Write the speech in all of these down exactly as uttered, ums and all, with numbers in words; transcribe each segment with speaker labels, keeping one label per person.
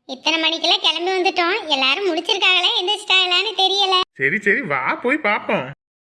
Speaker 1: இத்தனை மணிக்கெல்லாம் கிளம்பி வந்துட்டோம். எல்லாரும் முடிச்சிருக்காங்களா எந்திரிச்சிட்டாங்களான்னு தெரியல.
Speaker 2: சரி சரி வா போய் பாப்போம்.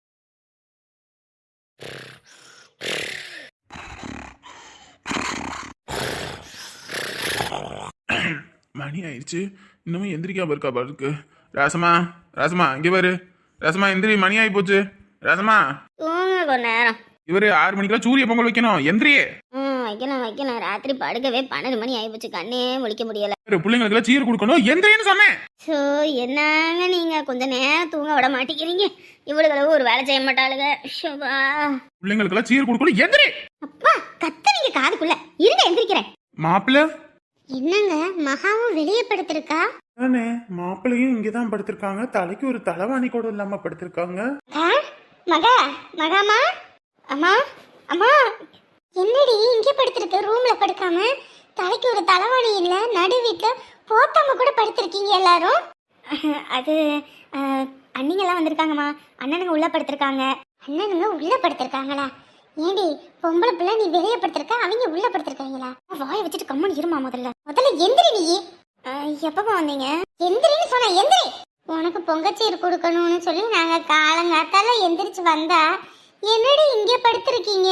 Speaker 2: மணி ஆயிடுச்சு, இன்னமும் எந்திரிக்காம இருக்கா பாருக்கு. ராசமா ராசமா இங்க பாரு. ராசமா எந்திரி, மணி ஆகி போச்சு. ராசமா
Speaker 1: தூங்க கொஞ்ச நேரம்.
Speaker 2: இவரு ஆறு மணிக்கெல்லாம் சூரிய பொங்கல் வைக்கணும், எந்திரியே.
Speaker 1: ம் வைக்கணும் வைக்கணும். ராத்திரி படுக்கவே பன்னெண்டு மணி ஆகி போச்சு, கண்ணே முழிக்க முடியல.
Speaker 2: பிள்ளைங்களுக்கு சீர் கொடுக்கணும், எந்திரின்னு சொன்னேன்.
Speaker 1: ஸோ என்னங்க நீங்க கொஞ்ச நேரம் தூங்க விட மாட்டேங்கிறீங்க. இவ்வளவு ஒரு வேலை செய்ய மாட்டாளுங்க. ஷோபா.
Speaker 2: பிள்ளைங்களுக்கு சீர் கொடுக்கணும், எந்திரி.
Speaker 1: அப்பா கத்துறீங்க காதுக்குள்ள. இருங்க எந்திரிக்கிறேன்.
Speaker 2: மாப்பிள்ள
Speaker 1: என்னங்க மகாவும் வெளியே படுத்திருக்கா?
Speaker 2: தானே, மாப்பிள்ளையும் இங்கதான் படுத்திருக்காங்க. தலைக்கு ஒரு தலைவாணி கூட இல்லாம படுத்திருக்காங்க.
Speaker 1: மகா மகாமா அம்மா அம்மா என்னடி இங்கே படுத்திருக்க? ரூம்ல படுக்காம தலைக்கு ஒரு தலைவாணி இல்ல, நடு வீட்டுல போத்தாம கூட படுத்திருக்கீங்க எல்லாரும். அது அண்ணிங்கெல்லாம் வந்திருக்காங்கம்மா. அண்ணனுங்க உள்ள படுத்திருக்காங்க. அண்ணனுங்க உள்ள படுத்திருக்காங்களா? ஏண்டி பொம்பளை பிள்ளை, நீ வெளியே படுத்திருக்க, அவங்க உள்ள படுத்திருக்காங்களா? வாயை வச்சுட்டு கம்மன் இருமா. முதல்ல முதல்ல எந்திரி. நீ எப்பமா வந்தீங்க? எந்திரின்னு சொன்ன, எந்திரி. உனக்கு பொங்கச்சீர் கொடுக்கணும்னு சொல்லி நாங்க காலங்காத்தால எந்திரிச்சு வந்தா என்னடி இங்கே படுத்திருக்கீங்க?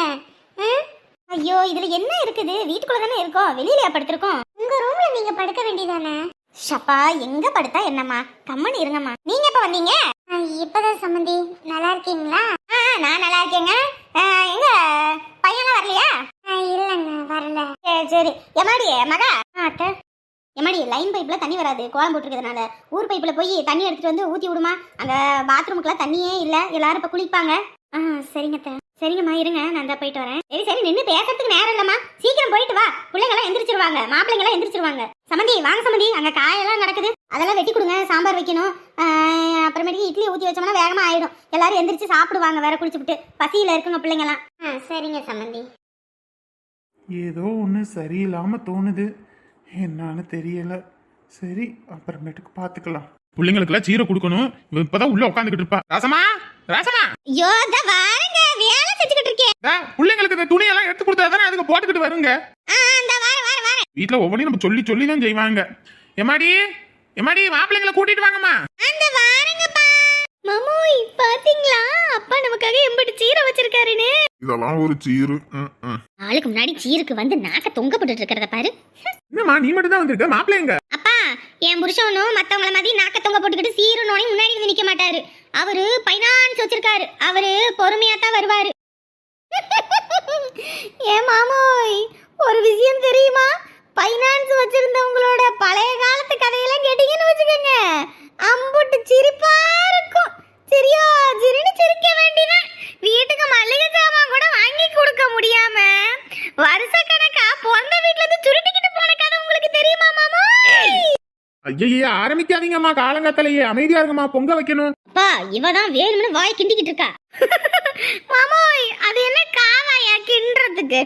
Speaker 1: ஐயோ இதுல என்ன இருக்குது? வீட்டுக்குள்ள தானே இருக்கோம், வெளியிலயா படுத்திருக்கோம்? உங்க ரூம்ல நீங்க படுக்க வேண்டியதானே? ஷப்பா எங்க படுத்தா என்னம்மா, கம்மன் இருங்கம்மா. நீங்க எப்ப வந்தீங்க? இப்பதான் சம்மந்தி. நல்லா இருக்கீங்களா? நான் நல்லா இருக்கேங்க. எங்க பையன்லாம் வரலையா? இல்லங்க வரல. சரி சரி. எமாடி மகா அத்தை, எமாடி லைன் பைப்ல தண்ணி வராது, கோலம் போட்டுருக்கிறதுனால ஊர் பைப்ல போய் தண்ணி எடுத்துட்டு வந்து ஊத்தி விடுமா. அங்க பாத்ரூமுக்குலாம் தண்ணியே இல்ல, எல்லாரும் இப்ப குளிப்பாங்க. ஆ சரிங்க அத்தை. சரிங்கம்மா இருங்க, நான் தான் போயிட்டு வரேன். சரி சரி, நின்று பேசுறதுக்கு நேரம் இல்லம்மா, சீக்கிரம் போயிட்டு வா. பிள்ளைங்கெல்லாம் எந்திரிச்சிருவாங்க, மாப்பிள்ளைங்கெல்லாம் எந்திரிச்சிருவாங்க. சமந்தி வாங்க சமந்தி, அங்க காயெல்லாம் நடக்குது, அதெல்லாம் வெட்டி கொடுங்க. சாம்பார் வைக்கணும். அப்புறமேட்டுக்கு இட்லி ஊற்றி வச்சோம்னா வேகமா ஆயிடும். எல்லாரும் எந்திரிச்சு சாப்பிடுவாங்க, வேற குளிச்சுட்டு பசியில இருக்குங்க பிள்ளைங்கெல்லாம். ஆ சரிங்க சமந்தி.
Speaker 2: ஏதோ ஒன்று சரியில்லாம தோணுது, என்னன்னு தெரியல. சரி அப்புறமேட்டுக்கு பாத்துக்கலாம். பிள்ளைங்களுக்குலாம் சீரை கொடுக்கணும். இப்பதான் உள்ள உட்காந்துக்கிட்டு இருப்பா. ராசமா ராசமா
Speaker 1: ஐயோ த வாரங்க, வேலை செஞ்சுக்கிட்டு இருக்கேன்.
Speaker 2: பிள்ளைங்களுக்கு இந்த துணியெல்லாம் எடுத்து கொடுத்தா தானே அதுக்கு போட்டுக்கிட்டு வருங்க. வீட்டுல ஒவ்வொன்றையும் நம்ம சொல்லி சொல்லி தான் செய்வாங்க. எம்மாடி எம்மாடி மாப்பிள்ளைங்களை கூட்டிட்டு வாங்கம்மா.
Speaker 1: அந்த வாரங்கப்பா. மம்மோய் பாத்தீங்களா, அப்பா நமக்காக எம்படி சீரை வச்சிருக்காருன்னு.
Speaker 2: இதெல்லாம் ஒரு சீரு.
Speaker 1: ஆளுக்கு முன்னாடி சீருக்கு வந்து நாக்க தொங்க போட்டுட்டு இருக்கிறத பாரு.
Speaker 2: என்னம்மா நீ மட்டும் தான் வந்திருக்க, மாப்பிள்ளைங்க?
Speaker 1: அப்பா என் புருஷனும் மத்தவங்கள மாதிரி நாக்க தொங்க போட்டுக்கிட்டு சீருனோனே முன்னாடி வந்து நிக்க மாட்டாரு. அவரு பைனான்ஸ் வச்சிருக்காரு, அவரு பொறுமையா தான் வருவாரு. ஏ மாமோய் ஒரு விஷயம் தெரியுமா? பைனான்ஸ் வச்சிருந்தவங்களோட பழைய காலத்து கதையெல்லாம் கேட்டீங்கன்னு வச்சுக்கோங்க, அம்புட்டு சிரிப்பா இருக்கும். சரியா சிரின்னு சிரிக்க வேண்டியதான். வீட்டுக்கு மல்லிகை சாமான் கூட வாங்கி கொடுக்க முடியாம வருஷ கணக்கா பிறந்த வீட்டுல இருந்து சுருட்டிக்கிட்டு போன கதை உங்களுக்கு தெரியுமா மாமோய்?
Speaker 2: ஐயா ஆரம்பிக்காதீங்கம்மா, காலங்காத்தாலேயே அமைதியா இருங்கம்மா, பொங்க வைக்கணும்.
Speaker 1: அப்பா இவதான் வேணும்னு வாய் கிண்டிக்கிட்டு இருக்கா. மாமோய் அது என்ன காவாயா கிண்டுறதுக்கு?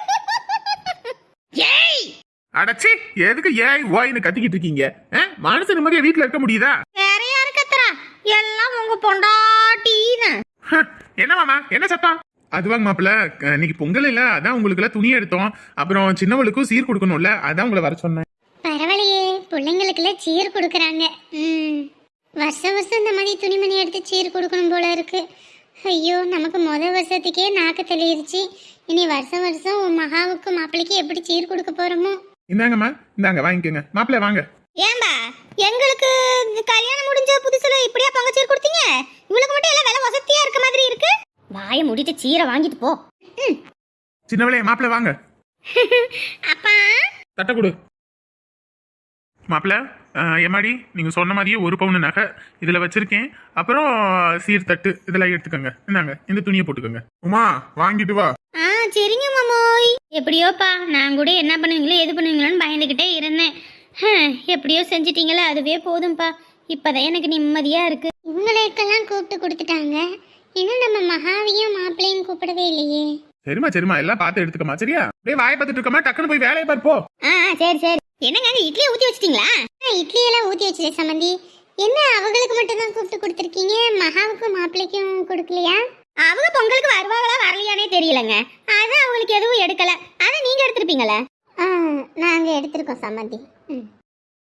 Speaker 1: ஏய்
Speaker 2: அடச்சி, எதுக்கு ஏய் ஓய்னு கத்திக்கிட்டு இருக்கீங்க? மனசு நிம்மதியா வீட்டுல இருக்க முடியுதா?
Speaker 1: வேற யாரு கத்துறா? எல்லாம் உங்க பொண்டாட்டின்னு.
Speaker 2: என்ன மாமா என்ன சத்தம்? அதுவாங்க மாப்பிள்ள, இன்னைக்கு பொங்கல் இல்ல, அதான் உங்களுக்கு எல்லாம் துணி எடுத்தோம். அப்புறம் சின்னவளுக்கும் சீர் கொடுக்கணும்ல, அதான் உங்களை வர சொன்னேன்.
Speaker 1: பரவாயில்லையே, பிள்ளைங்களுக்குலாம் சீர் கொடுக்குறாங்க. ம் வருஷம் வருஷம் இந்த மாதிரி துணிமணி எடுத்து சீர் கொடுக்கணும் போல இருக்கு. ஐயோ நமக்கு முத வருஷத்துக்கே நாக்கு தெளியிருச்சு, இனி வருஷம் வருஷம் உன் மகாவுக்கு மாப்பிள்ளைக்கு எப்படி சீர் கொடுக்க போறோமோ.
Speaker 2: இந்தாங்கம்மா இந்தாங்க வாங்கிக்கோங்க. மாப்பிள்ள வாங்க.
Speaker 1: ஏன்பா எங்களுக்கு கல்யாணம் முடிஞ்ச புதுசுல இப்படியா பொங்க சீர் கொடுத்தீங்க? இவளுக்கு மட்டும் எல்லாம் விலை வசதியா இருக்க மாதிரி இருக்கு. வாயை மூடிட்டு சீரை வாங்கிட்டு போ.
Speaker 2: சின்னவளே மாப்பிள்ள வாங்க.
Speaker 1: அப்பா
Speaker 2: தட்ட கொடு. மாப்பிள்ள எம்மாடி நீங்க சொன்ன மாதிரியே ஒரு பவுன் நகை இதுல வச்சிருக்கேன். அப்புறம் சீர் தட்டு இதெல்லாம் எடுத்துக்கோங்க. இந்தாங்க இந்த துணியை போட்டுக்கோங்க. உமா வாங்கிட்டு வா.
Speaker 1: ஆ சரிங்க மாமோய். எப்படியோப்பா, நான் கூட என்ன பண்ணுவீங்களோ எது பண்ணுவீங்களோன்னு பயந்துகிட்டே இருந்தேன். எப்படியோ செஞ்சிட்டீங்களா, அதுவே போதும்பா. இப்பதான் எனக்கு நிம்மதியா இருக்கு. இவங்களுக்கெல்லாம் கூப்பிட்டு கொடுத்துட்டாங்க, இன்னும் நம்ம மகாவையும் மாப்பிள்ளையும் கூப்பிடவே இல்லையே.
Speaker 2: சரிமா சரிமா எல்லாம் பார்த்து எடுத்துக்கமா. சரியா அப்படியே வாயை பார்த்துட்டு இருக்கமா, டக்குன்னு போய் வேலையை பார்ப்போ.
Speaker 1: ஆ சரி சரி. என்னங்க இட்லியை ஊத்தி வச்சிட்டீங்களா? இட்லி எல்லாம் ஊத்தி வச்சிட்டே சம்பந்தி. என்ன அவங்களுக்கு மட்டும் தான் கூப்பிட்டு கொடுத்துருக்கீங்க, மகாவுக்கும் மாப்பிள்ளைக்கும் கொடுக்கலையா? அவங்க பொங்கலுக்கு வருவாங்களா வரலையானே தெரியலங்க, அதான் அவங்களுக்கு எதுவும் எடுக்கல. அதை நீங்க எடுத்திருப்பீங்களா? நாங்க எடுத்திருக்கோம் சம்பந்தி. ம்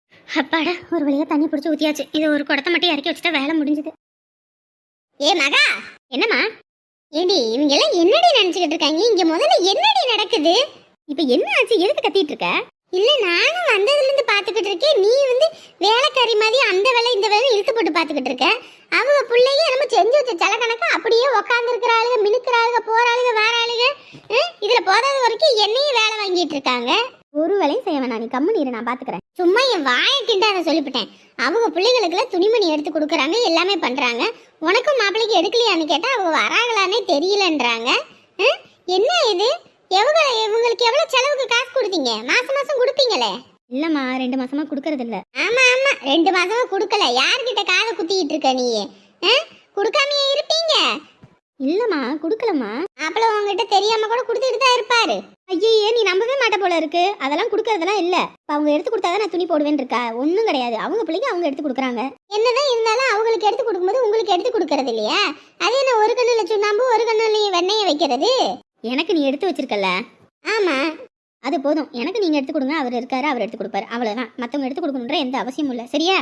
Speaker 1: அப்பாடா ஒரு வழியா தண்ணி பிடிச்சி ஊத்தியாச்சு. இது ஒரு குடத்தை மட்டும் இறக்கி வச்சுட்டா வேலை முடிஞ்சது. ஏ மகா, என்னம்மா? ஏடி இவங்க எல்லாம் என்னடி நினைச்சுக்கிட்டு இருக்காங்க? இங்க முதல்ல என்னடி நடக்குது? இப்ப என்ன ஆச்சு? எதுக்கு கத்திட்டு இருக்க? இல்ல நானும் வந்ததுல இருந்து பாத்துக்கிட்டு இருக்கேன். நீ வந்து வேலைக்காரி மாதிரி அந்த வேலை இந்த வேலை இழுத்து போட்டு பாத்துக்கிட்டு இருக்க. அவங்க பிள்ளைங்க நம்ம செஞ்சு வச்ச சில கணக்கு அப்படியே உக்காந்து இருக்கிற ஆளுங்க, மினுக்கிற ஆளுங்க, போற ஆளுங்க, வேற ஆளுங்க. இதுல போதாத வரைக்கும் என்னையும் வேலை வாங்கிட்டு இருக்காங்க. ஒரு வேலையும் செய்ய வேணாம், நீ கம்முனு இரு, நான் பாத்துக்கிறேன். சும்மா என் வாயை கிண்டாத சொல்லிவிட்டேன். அவங்க பிள்ளைங்களுக்குலாம் துணிமணி எடுத்து கொடுக்குறாங்க, எல்லாமே பண்றாங்க. உனக்கும் மாப்பிள்ளைக்கு எடுக்கலையான்னு கேட்டா அவங்க வராங்களானே தெரியலன்றாங்க. என்ன இது? எவ்வளோ இவங்களுக்கு எவ்வளவு செலவுக்கு காசு கொடுத்தீங்க? மாசம் மாசம் கொடுப்பீங்களே? இல்லம்மா, ரெண்டு மாசமா கொடுக்கறது இல்ல. ஆமா ஆமா, ரெண்டு மாசமா கொடுக்கல. யார்கிட்ட காதை குத்திக்கிட்டு இருக்க நீ? கொடுக்காமையே இருப்பீங்க? இல்லம்மா, கொடுக்கலம்மா. மாப்பிள்ள உங்ககிட்ட தெரியாம கூட கொடுத்துட்டு தான் இருப்பாரு. ஐயே, நீ நம்பவே மாட்ட போல இருக்கு. அதெல்லாம் கொடுக்கறதெல்லாம் இல்ல. அவங்க எடுத்து கொடுத்தாதான் நான் துணி போடுவேன்னு இருக்கா? ஒன்றும் கிடையாது. அவங்க பிள்ளைங்க அவங்க எடுத்து கொடுக்குறாங்க. என்னதான் இருந்தாலும் அவங்களுக்கு எடுத்து கொடுக்கும்போது உங்களுக்கு எடுத்து கொடுக்கறது இல்லையா? அது என்ன ஒரு கண்ணுல சுண்ணாம்பு ஒரு கண்ணுல வெண்ணெயை வைக்கிறது? எனக்கு நீ எடுத்து வச்சிருக்கல? ஆமா, அது போதும். எனக்கு நீங்க எடுத்து கொடுங்க, அவர் இருக்காரு, அவர் எடுத்து கொடுப்பாரு, அவ்வளவுதான். மத்தவங்க எடுத்து கொடுக்கணுன்ற எந்த அவசியமும் இல்ல. சரியா?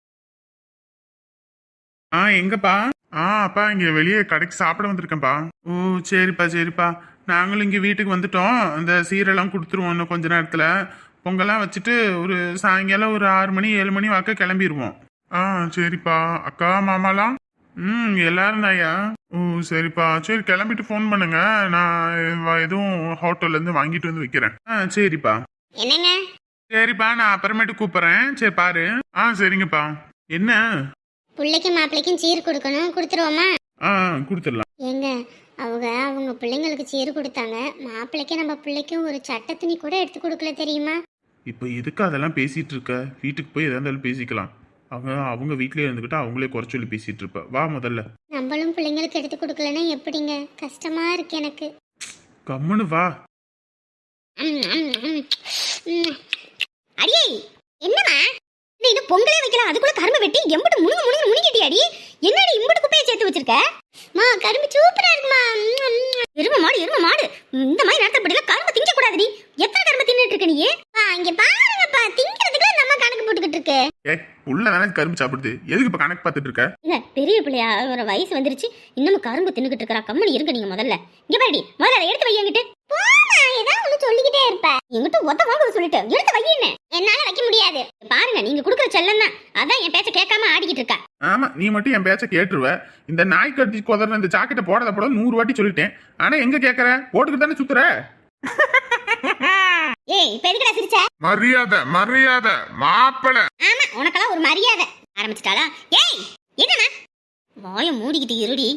Speaker 2: ஆ எங்கப்பா? ஆ அப்பா, இங்க வெளியே கடைக்கு சாப்பிட வந்திருக்கேன்ப்பா. ஓ சரிப்பா சரிப்பா. நாங்களும் இங்க வீட்டுக்கு வந்துட்டோம். இந்த சீரெல்லாம் கொடுத்துருவோம் இன்னும் கொஞ்ச நேரத்துல. பொங்கலாம் வச்சுட்டு ஒரு சாயங்காலம் ஒரு ஆறு மணி ஏழு மணி வாக்க கிளம்பிடுவோம். ஆ சரிப்பா. அக்கா மாமாலாம்? ம் எல்லாரும் தாயா. ஓ சரிப்பா. சரி கிளம்பிட்டு ஃபோன் பண்ணுங்க. நான் எதுவும் ஹோட்டல்ல இருந்து வாங்கிட்டு வந்து வைக்கிறேன். ஆ சரிப்பா.
Speaker 1: என்னங்க?
Speaker 2: சரிப்பா, நான் அப்புறமேட்டு கூப்பிடுறேன். சரி பாரு. ஆ சரிங்கப்பா. என்ன?
Speaker 1: பிள்ளைக்கும் மாப்பிள்ளைக்கும் சீர் கொடுக்கணும், கொடுத்துருவோமா?
Speaker 2: ஆ கொடுத்துடலாம்.
Speaker 1: ஏங்க, அவங்க அவங்க பிள்ளைங்களுக்கு சீர் கொடுத்தாங்க. மாப்பிள்ளைக்கு நம்ம பிள்ளைக்கும் ஒரு சட்டை துணி கூட எடுத்து கொடுக்கல, தெரியுமா?
Speaker 2: இப்போ எதுக்கு அதெல்லாம் பேசிட்டு இருக்க? வீட்டுக்கு போய் எதா இருந்தாலும் பேசிக்கலாம். அவங்க அவங்க வீட்லயே இருந்துக்கிட்டு அவங்களே குறை சொல்லி பேசிட்டு இருப்ப. வா முதல்ல.
Speaker 1: நம்மளும் பிள்ளைங்களுக்கு எடுத்து கொடுக்கலன்னா எப்படிங்க? கஷ்டமா இருக்கு எனக்கு.
Speaker 2: கம்முன்னு வா.
Speaker 1: அடியே, என்னமா இது? பொங்கலே வைக்கலாம், அதுக்குள்ள கரும்பு வெட்டி எம்பட்டு முழுங்க முழுங்க முழுங்கிட்டி அடி. என்னடி இம்பட்டு குப்பையை சேர்த்து வச்சிருக்க? மா, கரும்பு சூப்பரா இருக்குமா. எரும மாடு எரும மாடு, இந்த மாதிரி நேரத்துல படியில கரும்பு திங்க கூடாதுடி. எத்தனை கரும்பு தின்னுட்டு இருக்க நீ? இங்க பாருங்கப்பா, திங்கிறதுக்குள்ள நம்ம கணக்கு போட்டுக்கிட்டு இருக்கு.
Speaker 2: ஏ உள்ள தானே கரும்பு சாப்பிடுது, எதுக்கு இப்ப கணக்கு பார்த்துட்டு இருக்க?
Speaker 1: இல்ல, பெரிய பிள்ளையா ஒரு வயசு வந்துருச்சு, இன்னமும் கரும்பு தின்னுக்கிட்டு இருக்கா. கம்மனி இருங்க நீங்க முதல்ல. இங்க பாருடி, முதல்ல அதை எடுத்து வையங்கிட்டு. ஏதாவது ஒண்ணு சொல்லிக்கிட்டே இருப்ப. எங்கிட்ட ஒத்த வாங்க சொல்லிட்டு எடுத்து வையின்னு. என்னால வைக்க முடியாது. பாருங்க, நீங்க குடுக்குற செல்லம் தான். அதான் என் பேச்ச கேட்காம ஆடிக்கிட்டு இருக்கா.
Speaker 2: ஆமா, நீ மட்டும் என் பேச்ச கேட்டுருவ. இந்த நாய் கட்டி கொதற இந்த ஜாக்கெட்டை போடாத போட நூறு வாட்டி சொல்லிட்டேன். ஆனா எங்க கேக்குற? போட்டுக்கிட்டு தானே சுத்துற.
Speaker 1: ஏய், இப்ப எதுக்குடா சிரிச்ச?
Speaker 2: மரியாதை மரியாதை மாப்பிள.
Speaker 1: ஆமா, உனக்கெல்லாம் ஒரு மரியாதை ஆரம்பிச்சிட்டாளா? ஏய், என்னமா வாயை மூடிக்கிட்டு இருடி.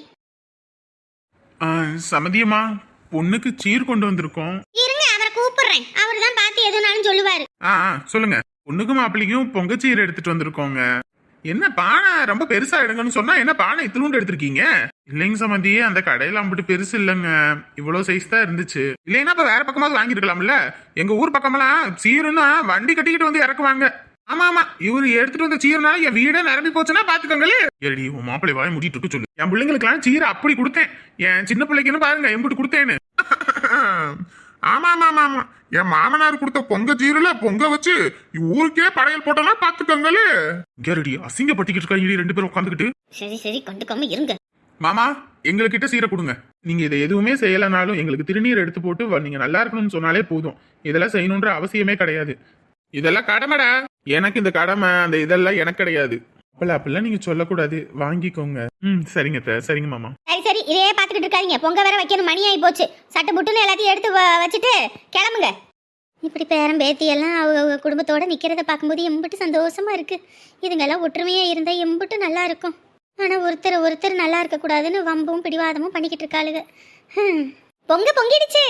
Speaker 2: சமதியமா, பொண்ணுக்கு சீர் கொண்டு வந்திருக்கோம்.
Speaker 1: இருங்க, அவரை கூப்பிடுறேன். அவர் தான் பார்த்து எதுனாலும் சொல்லுவாரு.
Speaker 2: ஆ சொல்லுங்க. பொண்ணுக்கும் மாப்பிள்ளைக்கும் பொங்கச்சீர் எடுத்துட்டு வந்திருக்கோங்க. என்ன பானை ரொம்ப பெருசா எடுங்கன்னு சொன்னா என்ன பானை இத்திலூண்டு எடுத்திருக்கீங்க? இல்லைங்க சமந்தி, அந்த கடையில அம்பிட்டு பெருசு இல்லைங்க, இவ்வளவு சைஸ் தான் இருந்துச்சு. இல்லைன்னா இப்ப வேற பக்கமாவது வாங்கிருக்கலாம்ல. எங்க ஊர் பக்கமெல்லாம் சீருன்னா வண்டி கட்டிக்கிட்டு வந்து இறக்குவாங்க. ஆமா ஆமா, இவரு எடுத்துட்டு வந்த சீரனால என் வீடே நிரம்பி போச்சுன்னா பாத்துக்கோங்களே. ஏடி உன் மாப்பிள்ளை வாய முடிட்டு இருக்க சொல்லு. என் பிள்ளைங்களுக்கு எல்லாம் சீரை அப்படி கொடுத்தேன். என் சின்ன பிள்ளைக்குன்னு பாருங்க எம்பிட்டு கொடுத்தேன்னு. ஆமா ஆமா ஆமா ஆமா, என் மாமனார் கொடுத்த பொங்க சீரல பொங்க வச்சு ஊருக்கே படையல் போட்டோம்னா பாத்துக்கோங்களே. கேரடி அசிங்கப்பட்டிக்கிட்டு இருக்காங்க ரெண்டு பேரும் உட்காந்துக்கிட்டு.
Speaker 1: சரி சரி, கண்டுக்காம இருங்க.
Speaker 2: மாமா, எங்ககிட்ட சீரை கொடுங்க. நீங்க இதை எதுவுமே செய்யலனாலும் எங்களுக்கு திருநீர் எடுத்து போட்டு நீங்க நல்லா இருக்கணும்னு சொன்னாலே போதும். இதெல்லாம் செய்யணும்ன்ற அவசியமே கிடையாது. இதெல்லாம் கடமைடா. எனக்கு இந்த கடமை அந்த இதெல்லாம் எனக்கு கிடையாது. அப்பல அப்பெல்லாம் நீங்க சொல்லக்கூடாது, வாங்கிக்கோங்க. ம் சரிங்க த சரிங்க மாமா.
Speaker 1: சரி சரி, இதே பாத்துக்கிட்டு இருக்காதீங்க. பொங்க வேற வைக்கணும், மணி ஆகி போச்சு. சட்டை புட்டுன்னு எல்லாத்தையும் எடுத்து வச்சுட்டு கிளம்புங்க. இப்படி பேரம் பேத்தி எல்லாம் அவங்க குடும்பத்தோட நிக்கிறத பார்க்கும்போது எம்பிட்டு சந்தோஷமா இருக்கு. இதுங்கெல்லாம் ஒற்றுமையா இருந்தா எம்பிட்டு நல்லா இருக்கும். ஆனா ஒருத்தர் ஒருத்தர் நல்லா இருக்க கூடாதுன்னு வம்பும் பிடிவாதமும் பண்ணிக்கிட்டு இருக்காளுங்க. பொங்க பொங்கிடுச்சு.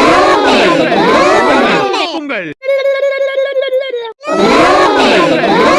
Speaker 2: பொங்கல்